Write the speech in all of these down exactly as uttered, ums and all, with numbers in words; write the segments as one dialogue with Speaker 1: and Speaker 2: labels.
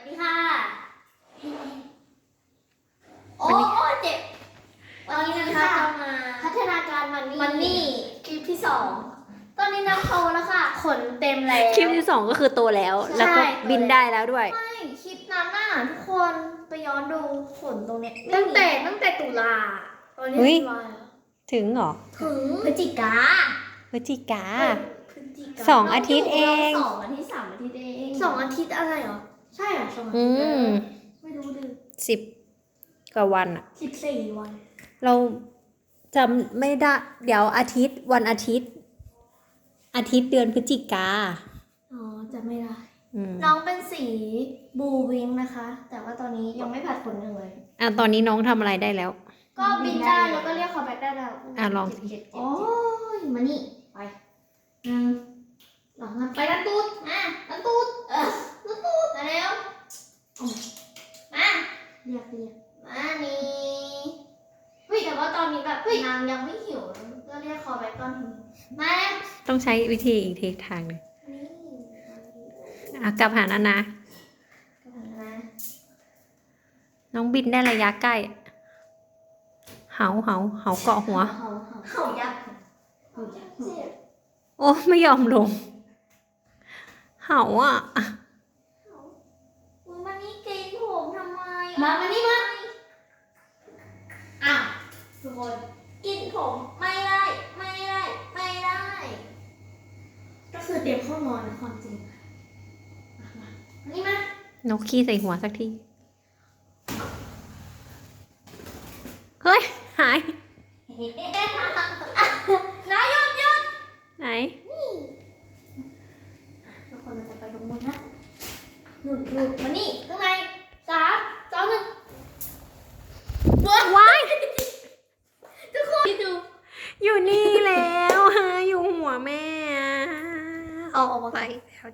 Speaker 1: ดีค่ะโอ้เจ็บวันนี้นะคะจะมาพัฒนาการมันนี่มันนี่คลิปที่สองตอนนี้น้ำโตแล้วค่ะขนเต็มแล้ว
Speaker 2: คลิปที่สองก็คือโตแล้ว แล้วก็บินได้แล้วด้วย
Speaker 1: ไม่คลิปนั้นน่ะทุกคนไปย้อนดูขนตรงเนี้ยตั้งแต่ตั้งแต่ตุลาตอนนี้ตุลา
Speaker 2: ถึงเหรอ
Speaker 1: ถึงพฤศจิกา
Speaker 2: พฤศจิกาสองอาทิตย์เอง
Speaker 1: สองอาทิตย์สามอาทิตย์เองสองอาทิตย์อะไรเหรอใช่เหรอสองอาทิตย์ไม่รู้ดิ
Speaker 2: สิบกว่าวันอะ
Speaker 1: สิบสี่วัน
Speaker 2: เราจำไม่ได้เดี๋ยวอาทิตย์วันอาทิตย์อาทิตย์เดือนพฤศจิกา
Speaker 1: อ๋อจำไม่ได้น้องเป็นสีบูวิงนะคะ แต่ว่าตอนนี้ยังไม่ผัดขนเลย
Speaker 2: อ่ะตอนนี้น้องทำอะไรได้แล้ว
Speaker 1: ก็บินได้แล้วก็เรียกคอแบ็กได้แล้ว
Speaker 2: อ่ะลอง
Speaker 1: สิโอ้ยมานี่ไปอืมหลังไปนันตูดมานันตูดเออนันตูดมาแล้วมาเรียกเรียกมานี่เฮ้ยแต่ว่าตอนนี้แบบนางยังไม่หิวก็เรียกคอแบ็กตอนหิวมา
Speaker 2: ต้องใช้วิธีอีกทีทางหนึ่งอ่ะกลับหานานะน้องบินได้ระยะใกล้เหาเหาเหาเกาะหัว
Speaker 1: เหายักษ์
Speaker 2: โอ้ไม่ยอมลงเหาอ่ะ
Speaker 1: มานี่เกณฑ์ผมทำไมมามานี่มาอ้าวทุกคนกินผมไม่ได้ไม่ได้ไม่ได้ก็คือเตรียมเข้านอนนะความจริงมานี่มาน
Speaker 2: กขี้ใส่หัวสักทีเฮ้ยหาย
Speaker 1: น้าหยุดหยุด
Speaker 2: ไหน
Speaker 1: ทุกคนเราจะไปตรงนู้นนะหนุนหนุนมานี่ข้างในสามสองหนึ่ง
Speaker 2: ว้าย
Speaker 1: ทุกคนดู
Speaker 2: อยู่นี่แล้วฮะอยู่หัวแม่ออกไปแล้ว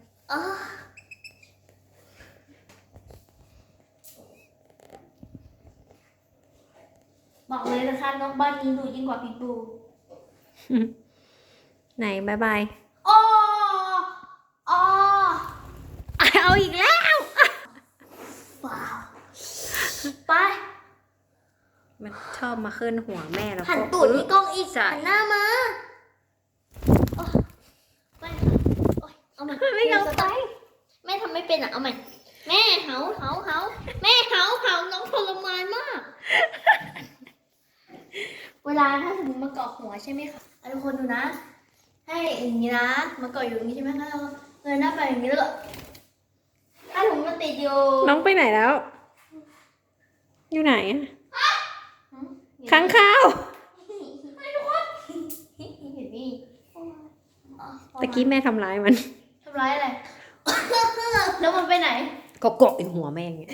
Speaker 1: บอกเลยนะคะน้องบ้านนี้ดูยิ่งกว่าพี่ปู
Speaker 2: ไหนบายบาย
Speaker 1: อ๋ออ๋อ
Speaker 2: เอาอีกแล้ว
Speaker 1: ว้าวไป
Speaker 2: มันชอบมาขึ้นหัวแม่แล้วก็
Speaker 1: หันตูดที่กล้องอีกหันหน้ามาไปเอาใหม่
Speaker 2: ไม่ยอมไป
Speaker 1: แม่ทำไม่เป็นอ่ะเอาใหม่แม่เหาเหาเหาแม่เหาเหาน้องทรมานมากเวลาถ้าสมมติมาเกาะหัวใช่ไหมคะทุกคนดูนะให้อย่างนี้นะมาเกาะอยู่อย่างนี้ใช่ไหมคะเราเงยหน้าไปอย่างนี้แล้วก็ถ้าถุงมันติดอยู่
Speaker 2: น้องไปไหนแล้วอยู่ไหนค้างคาวตะกี้แม่ทำร้ายมัน
Speaker 1: ทำร้ายอะไรแล้วมันไปไหน
Speaker 2: ก็เกาะอยู่หัวแม่ไง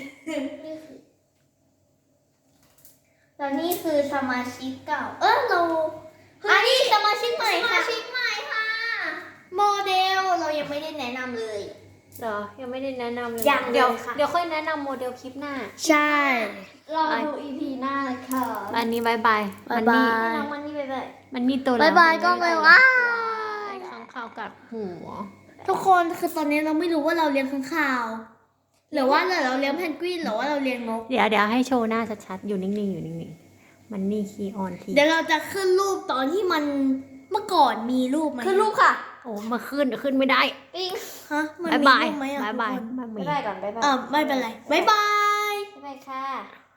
Speaker 1: แล้วนี่คือสมาชิกเก่าเออเราอันนี้สมาชิกใหม่ค่ะสมาชิกใหม่ค่ะโมเดลเรายังไม่ได้แนะนำเลย
Speaker 2: เหรอยังไม่ได้แนะนำเลย
Speaker 1: ยัง
Speaker 2: เดี๋ยวเดี๋ยวค่อยแนะนำโมเดลคลิปหน้า
Speaker 1: ใช่รอดู อี พี หน้าเลยค่ะ
Speaker 2: วันนี้บายบาย
Speaker 1: มันนี่น้องมันนี่บายบาย
Speaker 2: มันนี่ตัวแล้ว
Speaker 1: บายบายก็เลยว่า
Speaker 2: ค้างคาวกัดหัว
Speaker 1: ทุกคนคือตอนนี้เราไม่รู้ว่าเราเลี้ยงค้างคาวหรือว่าเราเลี้ยงเพนกวินหรือว่าเราเลี้ยงนก
Speaker 2: เดี๋ยวเดี๋ยวให้โชว์หน้าชัดๆอยู่นิ่งๆอยู่นิ่งๆมันนี่คีออนที
Speaker 1: เดี๋ยวเราจะขึ้นรูปตอนที่มันเมื่อก่อนมีรูปไหม
Speaker 2: ขึ้นรูปค่ะโอ้มาขึ้นขึ้นไม่ได้
Speaker 1: ปิ๊งฮะ
Speaker 2: มันมีรูปไหมอ่ะบายบาย
Speaker 1: บายบายก่อนบายบายเออไม่เป็นไรบายบายบายบายค่ะ